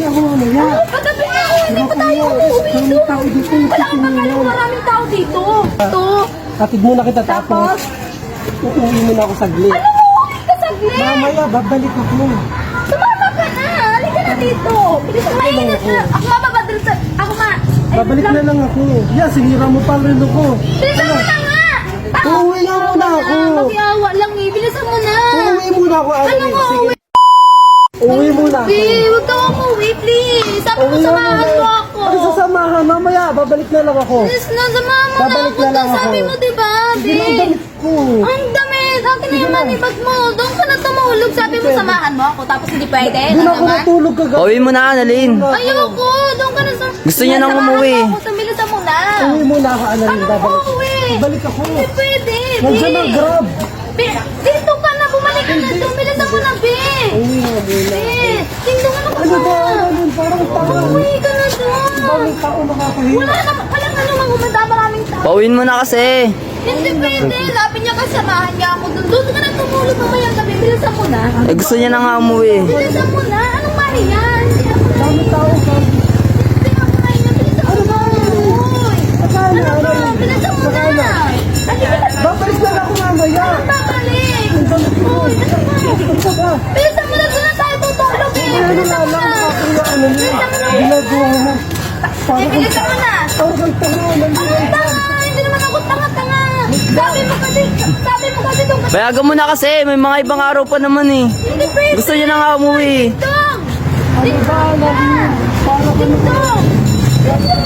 ako mamaya. Patabi na ako, hindi pa tayo umuwi dito. Wala kang pakalim, maraming tao dito. Ito. Hatid muna kita tapos. Uuwi muna ako saglit. Ano mo, uuwi ka saglit? Mamaya, babalik ako. Sumama ka na, halika na dito. Bilis ang mainit na. Ako mababadal sa... Ako ma... Babalik na lang ako. Yeah, sinira mo pa rin ako. Bilisan mo na nga! Uuwi nga muna ako. Magyawa lang eh, bilisan mo na. Uuwi muna ako. Ano mo, Sige. uuwi? Uuwi muna ako. Babe, huwag ka umuwi, please. Sabi mo, Uuwi nga samahan muna. mo ako. Ano sasamahan? Mamaya, babalik na lang ako. Please na, samahan mo na Babalik ako. na lang ako. Sabi mo, diba, Sige na, ang babe? damit ko. Ang damit! Akin na yung manibag mo. Doon ka na tumulog. Sabi mo, samahan mo ako. Tapos hindi pwede. Doon Ano ako naman? natulog kagabi. Uwi mo na, Annalyn. Ayoko. Doon ka na sa... Gusto niya nang Samahan umuwi. mo ako. Bilisan mo na. Uuwi muna ako, Annalyn. Ano Babalik. uuwi? Babalik ako. Hindi pwede, Nandiyan ang babe. grab. Dito ka na. Bumalik ka na doon. Bilisan mo na, babe. Uuwi nga muna. Tingnan mo na ka Ano ba, na. Annalyn? Parang tanga. Umuwi ka na doon. Bawang tao makakahiya. Walang ano mang umanda. Maraming tao. Pauwiin mo na kasi. Hindi pwede. Lapin niya kasamahan niya ako doon. Doon ka na tumulog mamaya gabi. Bilisan mo na. Eh, gusto niya na nga umuwi. Bilisan mo na. Anong mali yan? Hindi ako Dami tao ka. Hindi ako na yan. Bilisan mo na. Uy. Akala, Ano ba? Annalyn? Bilisan mo na. Akala. Halika na. Babalik lang ako mamaya. Babalik. Ang damit ko. Uy, ano ba? Ito ba? Bilisan mo na. Doon na tayo tutulog eh. Ano Bilisan na mo lang, na. nakakaya, Annalyn. Ginagawa mo. Parang Bilisan mo na. Parang tanga, Annalyn. Anong tanga? Hindi naman ako tanga-tanga. Sabi mo kasi doon ka. Payagan mo na kasi. May mga ibang araw pa naman eh. Hindi pwede. Gusto niya na nga umuwi. Dong! Ano ba, Annalyn? Parang ano ba? Dong!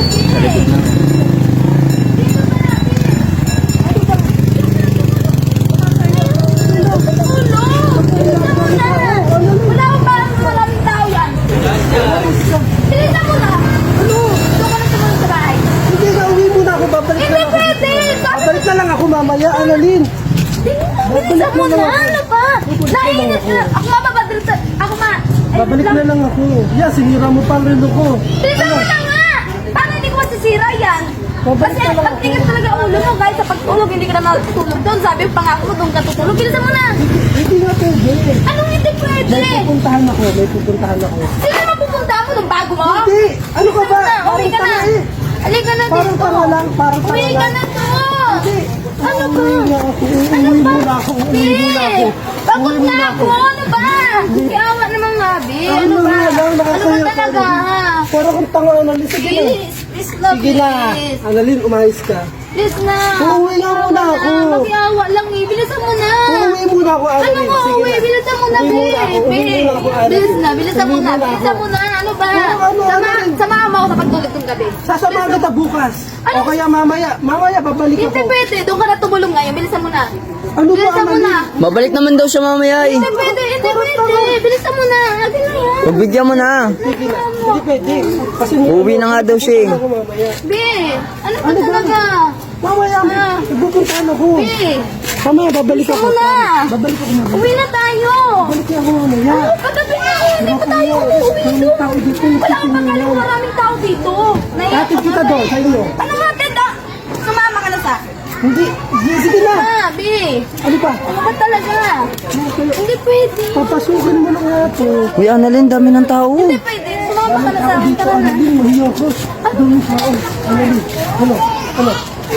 Wala akong parang maraming tao yan. Bilisan mo na. Ano? Doon ka na sumunod sa bahay. Hindi na, uwi muna ako. Babalik na Hindi lang ako. pwede. Babalik na lang ako mamaya, Annalyn. Bilisan mo na. Ano ba? Nainit na. Ako mababadal sa... Ako ma... Babalik na lang ako. Yeah, sinira mo pa rin ako. Bilisan mo na nga. Paano hindi ko masisira yan? Babalik Kasi na lang ang tigas talaga ang ulo mo. Kahit sa pagtulog, hindi ka na matutulog doon. Sabi yung pangako mo, doon ka tutulog. Bilisan mo na. Hindi nga pwede. Anong hindi pwede? May pupuntahan ako. May pupuntahan ako. Sino na pupunta mo nung bago mo? Hindi. Ano ka ba? Uwi ka na. Parang tanga eh. Halika na Parang dito. tanga lang. Parang tanga Uwi ka lang. na to. Hindi. Ano ba? Uuwi na ako. Ano Uuwi ba? muna ako. Uuwi muna ako. Pagod Uuwi na muna ako. Ano ba? Kiawa naman nga, Bi. Ano Ano ba? nga lang, Ano ba nakakaya ka talaga? rin. Parang kang tanga, Annalyn. Sige na. Please love, Sige na. please. Annalyn, umayos ka. Please na. Uuwi nga muna ako. Magyawa lang eh. Bilisan mo na. Uuwi muna ako, Ano Annalyn. mo, Sige uwi? na. Bilisan mo na, Uwi Bi. muna ako. Uwi muna ako, Annalyn. Bilis na, bilisan mo Uwi na. muna ako. Bilisan mo na. Ano ba? Ano, Annalyn? Samahan mo ako sa pagtulog ng gabi. Sasamahan kita bukas. O kaya mamaya. Mamaya, babalik Hindi ako. pwede. Doon ka na tumulong ngayon. Bilisan mo na. Ano ba, Bilisan mo Annalyn? na. Babalik naman daw siya mamaya eh. Hindi pwede. Hindi pwede. Bilisan mo na. Atin na yan. Pagbigyan mo na. Sige na. Hindi pwede. Kasi Uuwi na nga daw siya eh. Ako mamaya. Bi, ano ba Ano ba? talaga? Mamaya, pupuntahan ako. Bi, Mamaya, babalik bilisan ako. mo na. Babalik ako mamaya. Uwi na tayo. Babalik ako mamaya. Patabi na ako. Hindi pa tayo umuwi Daming doon. tao dito. Wala kang pakalim. Maraming tao dito. Hatid kita doon, sa inyo. Ano nga, Tenda? Sumama ka na sa... Hindi. Sige na. Ah, Bi. Ano pa? Ano ba talaga? Hindi pwede. Papasukin mo na nga ito. Uy, Annalyn, dami ng tao. Hindi pwede. Sumama ka na sa akin. Dito, Tara na. Annalyn, mahiya ko. Daming tao. Annalyn, ano? Ano?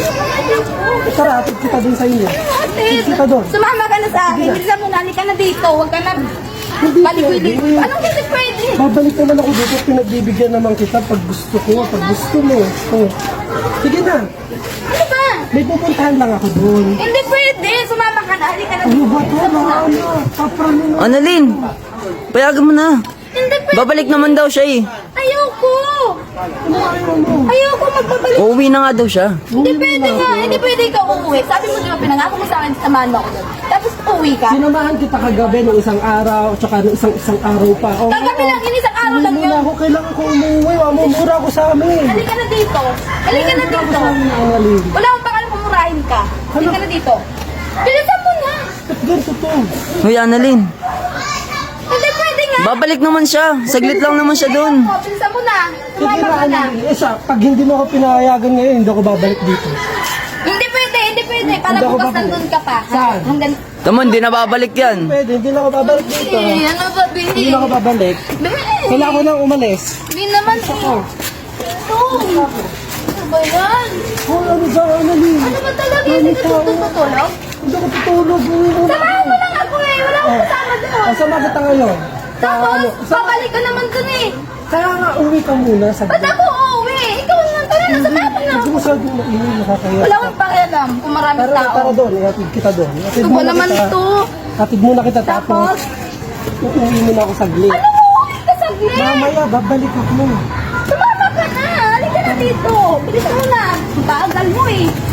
Tara, hatid kita doon sa inyo. Hatid. Kita doon. Sumama ka na sa akin. Bilisan mo na. Halika na dito. Huwag ka na... Hindi Balik-balik. pwede. Anong hindi pwede? Babalik naman ako dito, pinagbibigyan naman kita pag gusto ko, pag gusto mo. Oh. Sige na, Ano ba? may pupuntahan lang ako doon. Hindi pwede. Sumama ka na. Halika na Ano dito. ba ito? Ano? Paprano na. Annalyn, payagan mo na. Hindi pwede. Babalik naman daw siya eh. Ayoko. Ano ayaw mo? Ayoko magbabalik. Uuwi na nga daw siya. Hindi pwede nga. Hindi pwede ikaw uuwi. Sabi mo diba pinangako mo sa akin, samahan mo ako doon. Tapos uuwi ka. Sinamahan kita kagabi nung isang araw, tsaka nung isang araw pa. Oh, Kagabi lang, inisang araw Hindi lang muna yun. ako, kailangan ko umuwi. Mamumura ako sa amin. Halika na dito. Halika na Mamumura ako dito. sa amin, Annalyn. Wala akong pakalam pumurahin ka. Halika na dito. Bilisan mo na. Ba't ganito to? Uy, Annalyn, Hindi pwede nga. babalik naman siya. Saglit lang naman siya doon. Bilisan mo na. Sige Sumama na, ka na. Annalyn. Eh, pag hindi mo ako pinahayagan ngayon, hindi ako babalik dito. Hindi pwede. Hindi pwede. pwede. Para Hindi ako bukas babalik. nandun ka pa. Saan? Hanggang... Tamo, hindi na babalik yan. Pwede, hindi na ako babalik dito. Ano ba, Bill? Hindi na ako babalik. Bill! Kailangan ko nang umalis. Hindi naman eh. Ako. Ito. Ano ba yan? Oh, ano ba, Annalyn? Ano ba talaga yun? Hindi ka tutulog? Hindi ako tutulog. Samahan mo lang ako eh. Wala akong kasama doon. Asa magata ngayon? Tapos, Sa, babalik ka naman dun eh. kaya nga uwi ka muna sa Ba't ako uuwi? Ikaw naman. Tara na, samahan mo na. Hindi mo sa nakakaya. Wala akong pakialam kung maraming Tara, tao. tara doon. Ihatid kita doon. Ihatid Ano ba muna naman kita. ito? Hatid muna kita Tapos, uuwi muna ako saglit. ano mo? Uwi ka saglit. Mamaya, babalik ako. Sumama ka na. Halika na dito. Bilis mo na. Ang bagal mo eh.